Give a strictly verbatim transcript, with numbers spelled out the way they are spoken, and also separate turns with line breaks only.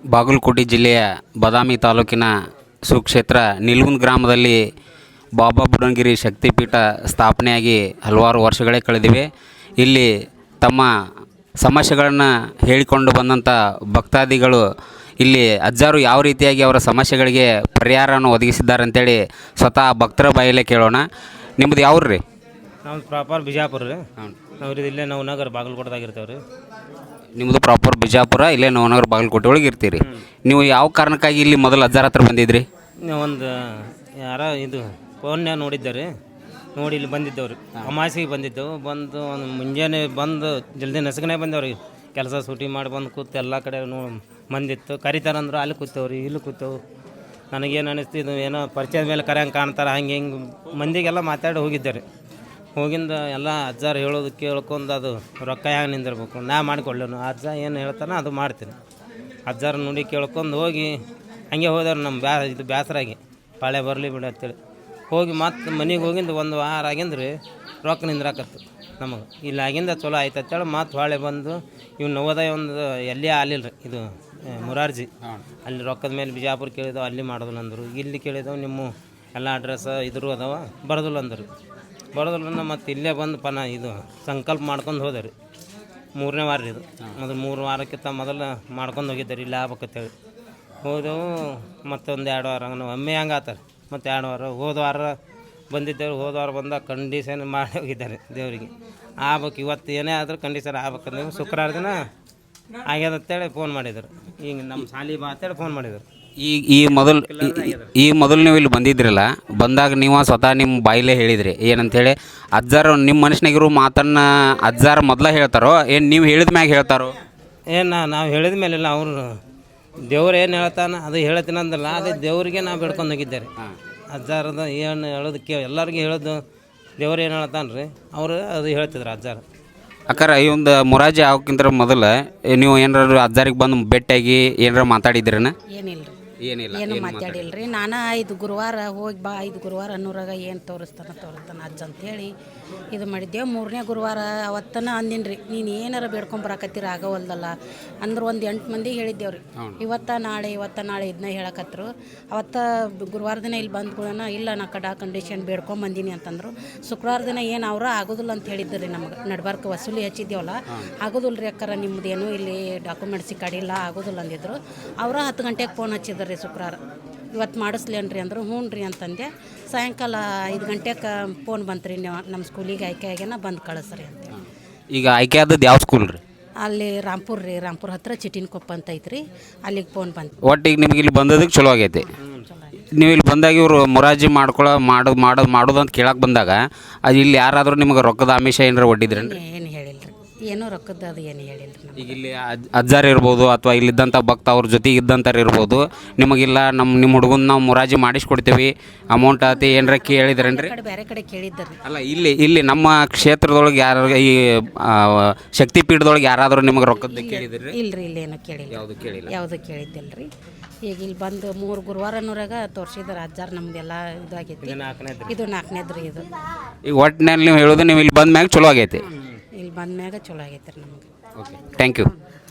ಬಾಗಲಕೋಟೆ ಜಿಲ್ಲೆಯ ಬಾದಾಮಿ ತಾಲೂಕಿನ ಸುಕ್ಷೇತ್ರ ನಿಲ್ಗುಂದ್ ಗ್ರಾಮದಲ್ಲಿ ಬಾಬಾ ಬುಡನ್ಗಿರಿ ಶಕ್ತಿಪೀಠ ಸ್ಥಾಪನೆಯಾಗಿ ಹಲವಾರು ವರ್ಷಗಳೇ ಕಳೆದಿವೆ. ಇಲ್ಲಿ ತಮ್ಮ ಸಮಸ್ಯೆಗಳನ್ನು ಹೇಳಿಕೊಂಡು ಬಂದಂಥ ಭಕ್ತಾದಿಗಳು ಇಲ್ಲಿ ಅಜ್ಜಾರು ಯಾವ ರೀತಿಯಾಗಿ ಅವರ ಸಮಸ್ಯೆಗಳಿಗೆ ಪರಿಹಾರವನ್ನು ಒದಗಿಸಿದ್ದಾರೆ ಅಂತೇಳಿ ಸ್ವತಃ ಭಕ್ತರ ಬಾಯಲ್ಲೇ ಕೇಳೋಣ. ನಿಮ್ಮದು ಯಾವ್ರು ರೀ?
ನಾವು ಪ್ರಾಪರ್ ಬಿಜಾಪುರ ರೀ. ನಾವು ಇಲ್ಲೇ ನಾವು ನಗರ ಬಾಗಲಕೋಟೆದಾಗ ಇರ್ತೇವೆ ರೀ.
ನಿಮ್ಮದು ಪ್ರಾಪರ್ ಬಿಜಾಪುರ, ಇಲ್ಲೇ ನವನಗರ ಬಾಗಲಕೋಟೆ ಒಳಗೆ ಇರ್ತೀರಿ. ನೀವು ಯಾವ ಕಾರಣಕ್ಕಾಗಿ ಇಲ್ಲಿ ಮೊದಲು ಅಜ್ಜಾರ ಹತ್ರ ಬಂದಿದ್ರಿ?
ಒಂದು ಯಾರ ಇದು ಫೋನ್ಯಾಗ ನೋಡಿದ್ದಾರೆ, ನೋಡಿ ಇಲ್ಲಿ ಬಂದಿದ್ದವ್ರು. ಅಮಾಸಿಗೆ ಬಂದಿದ್ದೆವು. ಬಂದು ಒಂದು ಮುಂಜಾನೆ ಬಂದು ಜಲ್ದಿ ನಸಗನೆ ಬಂದೇವ್ರಿ. ಕೆಲಸ ಸೂಟಿ ಮಾಡಿ ಬಂದು ಕೂತು ಎಲ್ಲ ಕಡೆ ನೋ ಮಂದಿತ್ತು. ಕರಿತಾರಂದ್ರೆ ಅಲ್ಲಿ ಕೂತೇವ್ರಿ, ಇಲ್ಲಿ ಕೂತೇವು. ನನಗೇನು ಅನ್ನಿಸ್ತು, ಇದು ಏನೋ ಪರಿಚಯದ ಮೇಲೆ ಕರೆಯಂಗೆ ಕಾಣ್ತಾರೆ, ಹಂಗೆ ಹಿಂಗೆ ಮಂದಿಗೆಲ್ಲ ಮಾತಾಡಿ ಹೋಗಿದ್ದಾರೆ. ಹೋಗಿಂದ ಎಲ್ಲ ಅಜ್ಜಾರು ಹೇಳೋದು ಕೇಳ್ಕೊಂಡು ಅದು ರೊಕ್ಕ ಹ್ಯಾಂಗೆ ನಿಂದಿರ್ಬೇಕು, ನಾ ಮಾಡಿಕೊಳ್ಳೋನು. ಅಜ್ಜ ಏನು ಹೇಳ್ತಾನೆ ಅದು ಮಾಡ್ತೀನಿ. ಅಜ್ಜಾರು ನುಡಿ ಕೇಳ್ಕೊಂಡು ಹೋಗಿ ಹಂಗೆ ಹೋದವ್ರು. ನಮ್ಮ ಬ್ಯಾ ಇದು ಬೇಸರಾಗಿ ಪಾಳೆ ಬರಲಿ ಬಿಡಿ ಅಂತೇಳಿ ಹೋಗಿ ಮತ್ತೆ ಮನೆಗೆ ಹೋಗಿಂದ ಒಂದು ವಾರ ಆಗಿಂದ್ರಿ ರೊಕ್ಕ ನಿಂದ್ರಾಕತ್ತು ನಮಗೆ. ಇಲ್ಲಿ ಆಗಿಂದ ಚಲೋ ಆಯ್ತು ಅಂತೇಳಿ ಮತ್ತೆ ಹೊಳೆ ಬಂದು ಇವ್ನು ನವೋದಯ ಒಂದು ಎಲ್ಲಿ ಆಲಿಲ್ಲ ರೀ, ಇದು ಮುರಾರ್ಜಿ ಅಲ್ಲಿ ರೊಕ್ಕದ ಮೇಲೆ ಬಿಜಾಪುರ ಕೇಳಿದವು, ಅಲ್ಲಿ ಮಾಡೋದಿಲ್ಲ ಅಂದರು. ಇಲ್ಲಿ ಕೇಳಿದವು, ನಿಮ್ಮ ಎಲ್ಲ ಅಡ್ರೆಸ್ ಇದ್ರು ಅದಾವ, ಬರೋದಿಲ್ಲ ಅಂದರು. ಬರೋದಿಲ್ಲ ಮತ್ತು ಇಲ್ಲೇ ಬಂದು ಪನ ಇದು ಸಂಕಲ್ಪ ಮಾಡ್ಕೊಂಡು ಹೋದೆ ರೀ. ಮೂರನೇ ವಾರ ರೀ ಇದು. ಮೊದಲು ಮೂರು ವಾರಕ್ಕಿಂತ ಮೊದಲು ಮಾಡ್ಕೊಂಡು ಹೋಗಿದ್ದೆ ರೀ, ಇಲ್ಲಿ ಆಗ್ಬೇಕಂತೇಳಿ ಹೋದೆವು. ಮತ್ತೊಂದು ಎರಡು ವಾರ ನಾವು ಒಮ್ಮೆ ಹಂಗೆ ಆತಾರೆ. ಮತ್ತು ಎರಡು ವಾರ ಹೋದ ವಾರ ಬಂದಿದ್ದೇವೆ. ಹೋದ ವಾರ ಬಂದಾಗ ಕಂಡೀಷನ್ ಮಾಡಿ ಹೋಗಿದ್ದಾರೆ ದೇವರಿಗೆ. ಆಗ್ಬೇಕು ಇವತ್ತು ಏನೇ ಆದರೂ ಕಂಡೀಷನ್ ಆಗ್ಬೇಕಂದ್ರೆ ಶುಕ್ರವಾರ ದಿನ ಆಗ್ಯದ ಅಂತೇಳಿ ಫೋನ್ ಮಾಡಿದರು. ಈಗ ನಮ್ಮ ಶಾಲಿ ಬಾ ಅಂತೇಳಿ ಫೋನ್ ಮಾಡಿದರು.
ಈಗ ಈ ಮೊದಲು ಈ ಮೊದಲು ನೀವು ಇಲ್ಲಿ ಬಂದಿದ್ರಲ್ಲ, ಬಂದಾಗ ನೀವು ಸ್ವತಃ ನಿಮ್ಮ ಬಾಯಿಲೇ ಹೇಳಿದ್ರಿ ಏನಂತೇಳಿ, ಅಜ್ಜಾರು ನಿಮ್ಮ ಮನುಷ್ಯನಾಗಿರೋ ಮಾತನ್ನು ಅಜ್ಜಾರು ಮೊದಲೇ ಹೇಳ್ತಾರೋ ಏನು ನೀವು ಹೇಳಿದ ಮ್ಯಾಗ ಹೇಳ್ತಾರೋ?
ಏನು ನಾವು ಹೇಳಿದ ಮೇಲೆಲ್ಲ ಅವರು ದೇವ್ರು ಏನು ಹೇಳ್ತಾನೆ ಅದು ಹೇಳ್ತೀನಿ ಅಂದಲ್ಲ, ಅದೇ ದೇವರಿಗೆ ನಾವು ಬೇಡ್ಕೊಂಡು ಹೋಗಿದ್ದಾರೆ. ಅಜ್ಜಾರದ ಏನು ಹೇಳೋದು ಕೇ ಎಲ್ಲರಿಗೂ ಹೇಳೋದು ದೇವ್ರು ಏನು ಹೇಳ್ತಾನೆ ರೀ, ಅವರು ಅದು ಹೇಳ್ತಿದ್ರು ಅಜ್ಜಾರು.
ಅಕ್ಕಾರ ಈ ಒಂದು ಮುರಾಜಿ ಆಗೋಕ್ಕಿಂತ ಮೊದಲು ನೀವು ಏನಾರು ಅಜ್ಜಾರಿಗೆ ಬಂದು ಭೇಟಿಯಾಗಿ ಏನಾರು ಮಾತಾಡಿದ್ರೇನ?
ಏನಿಲ್ಲ ರೀ,
ಏನಿಲ್ಲ,
ಏನು ಮಾತಾಡಿಲ್ಲ ರೀ. ನಾನು ಐದು ಗುರುವಾರ ಹೋಗಿ ಬಾ, ಐದು ಗುರುವಾರ ಅನ್ನೂರಾಗ ಏನು ತೋರಿಸ್ತಾನೆ ತೋರಿಸ್ತಾನೆ ಅಜ್ಜ ಅಂತೇಳಿ ಇದು ಮಾಡಿದ್ದೆವು. ಮೂರನೇ ಗುರುವಾರ ಅವತ್ತನ ಅಂದಿನಿ ರೀ, ನೀನು ಏನಾರ ಬೇಡ್ಕೊಂಬರಕತ್ತೀರ ಆಗವಲ್ದಲ್ಲ ಅಂದ್ರೆ ಒಂದು ಎಂಟು ಮಂದಿಗೆ ಹೇಳಿದ್ದೇವೆ ರೀ. ಇವತ್ತ ನಾಳೆ ಇವತ್ತ ನಾಳೆ ಇದನ್ನ ಹೇಳಕತ್ರು. ಅವತ್ತ ಗುರುವಾರ ದಿನ ಇಲ್ಲಿ ಬಂದ್ಕೊಳ್ಳೋಣ, ಇಲ್ಲ ನಾ ಕಡ ಕಂಡೀಷನ್ ಬೇಡ್ಕೊಂಬಂದೀನಿ ಅಂತಂದರು. ಶುಕ್ರವಾರ ದಿನ ಏನು ಅವ್ರ ಆಗೋದಿಲ್ಲ ಅಂತ ಹೇಳಿದ್ರು ರೀ. ನಮಗೆ ನಡ್ಬಾರ್ಕ ವಸೂಲಿ ಹಚ್ಚಿದ್ದೇವಲ್ಲ, ಆಗೋದಿಲ್ಲ ರೀ ಅಕ್ಕಾರ, ನಿಮ್ಮದೇನು ಇಲ್ಲಿ ಡಾಕ್ಯುಮೆಂಟ್ಸಿ ಕಡಿಲ್ಲ ಆಗೋದಿಲ್ಲ ಅಂದಿದ್ರು. ಅವರ ಹತ್ತು ಗಂಟೆಗೆ ಫೋನ್ ಹಚ್ಚಿದ್ರು ರೀ ಶುಕ್ರವಾರ, ಇವತ್ತು ಮಾಡಿಸ್ಲೇನ್ರಿ ಅಂದರು. ಹ್ಞೂ ರೀ ಅಂತಂದೆ. ಸಾಯಂಕಾಲ ಐದು ಗಂಟೆಗೆ ಫೋನ್ ಬಂತು ರೀ, ನೀವು ನಮ್ಮ ಸ್ಕೂಲಿಗೆ ಆಯ್ಕೆ ಆಗ್ಯಾನ ಬಂದು ಕಳಿಸ್ರಿ ಅಂತ.
ಈಗ ಆಯ್ಕೆ ಆದದ್ದು ಯಾವ ಸ್ಕೂಲ್ ರೀ?
ಅಲ್ಲಿ ರಾಂಪುರ ರೀ, ರಾಂಪುರ ಹತ್ರ ಚಿಟಿನ್ಕೊಪ್ಪ ಅಂತ ಐತ್ರಿ, ಅಲ್ಲಿಗೆ ಫೋನ್ ಬಂತು.
ಒಟ್ಟಿಗೆ ನಿಮ್ಗೆ ಇಲ್ಲಿ ಬಂದದಕ್ಕೆ ಚಲೋ ಆಗೈತಿ. ನೀವು ಇಲ್ಲಿ ಬಂದಾಗ ಇವರು ಮುರಾಜಿ ಮಾಡ್ಕೊಳ್ಳೋ ಮಾಡೋದು ಮಾಡೋದು ಮಾಡೋದು ಅಂತ ಕೇಳಕ್ಕೆ ಬಂದಾಗ ಅದು ಇಲ್ಲಿ ಯಾರಾದರೂ ನಿಮಗೆ ರೊಕ್ಕದ ಆಮಿಷ ಏನಾರ ಒಡ್ಡಿದ್ರೇನು?
ಏನು ಹೇಳಿಲ್ಲ ರೀ, ಏನೋ ರೊಕ್ಕದ ಅದು ಏನು ಹೇಳಿಲ್ಲ ರೀ.
ಈಗ ಇಲ್ಲಿ ಅಜ್ ಅಜ್ಜಾರು ಇರ್ಬೋದು ಅಥವಾ ಇಲ್ಲಿದ್ದಂಥ ಭಕ್ತ ಅವ್ರ ಜೊತೆಗೆ ಇದ್ದಂಥವ್ರು ಇರ್ಬೋದು, ನಿಮಗಿಲ್ಲ ನಮ್ಮ ನಿಮ್ಮ ಹುಡುಗನ ನಾವು ಮುರಾಜಿ ಮಾಡಿಸ್ಕೊಡ್ತೀವಿ ಅಮೌಂಟ್ ಆತಿ ಏನಾರ ಕೇಳಿದ್ರೇನು ರೀ?
ಬೇರೆ ಕಡೆ ಕೇಳಿದ್ದಾರೆ.
ಅಲ್ಲ, ಇಲ್ಲಿ ಇಲ್ಲಿ ನಮ್ಮ ಕ್ಷೇತ್ರದೊಳಗೆ ಯಾರು ಈ ಶಕ್ತಿಪೀಠದೊಳಗೆ ಯಾರಾದರೂ ನಿಮಗೆ ರೊಕ್ಕದ ಕೇಳಿದ್ರಿ?
ಇಲ್ಲ ರೀ, ಇಲ್ಲೇನು ಕೇಳಿಲ್ಲ,
ಯಾವುದು ಕೇಳಿಲ್ಲ,
ಯಾವುದು ಕೇಳಿದ್ದಿಲ್ಲ ರೀ. ಈಗ ಇಲ್ಲಿ ಬಂದು ಮೂರು ಗುರುವಾರನೂರಾಗ ತೋರಿಸಿದಾರೆ ಅಜ್ಜಾರು, ನಮ್ಮದೆಲ್ಲ ಇದಾಗೈತಿ. ಇದು ನಾಲ್ಕನೇದು ರೀ ಇದು.
ಈಗ ಒಟ್ಟಿನಲ್ಲಿ ನೀವು ಹೇಳೋದು ನೀವು ಇಲ್ಲಿ ಬಂದ ಮ್ಯಾಗ ಚಲೋ ಆಗೈತಿ.
ಇಲ್ಲಿ ಬಂದ ಮ್ಯಾಗ ಚಲೋ ಆಗೈತೆ ರೀ ನಮಗೆ.
Okay, thank you.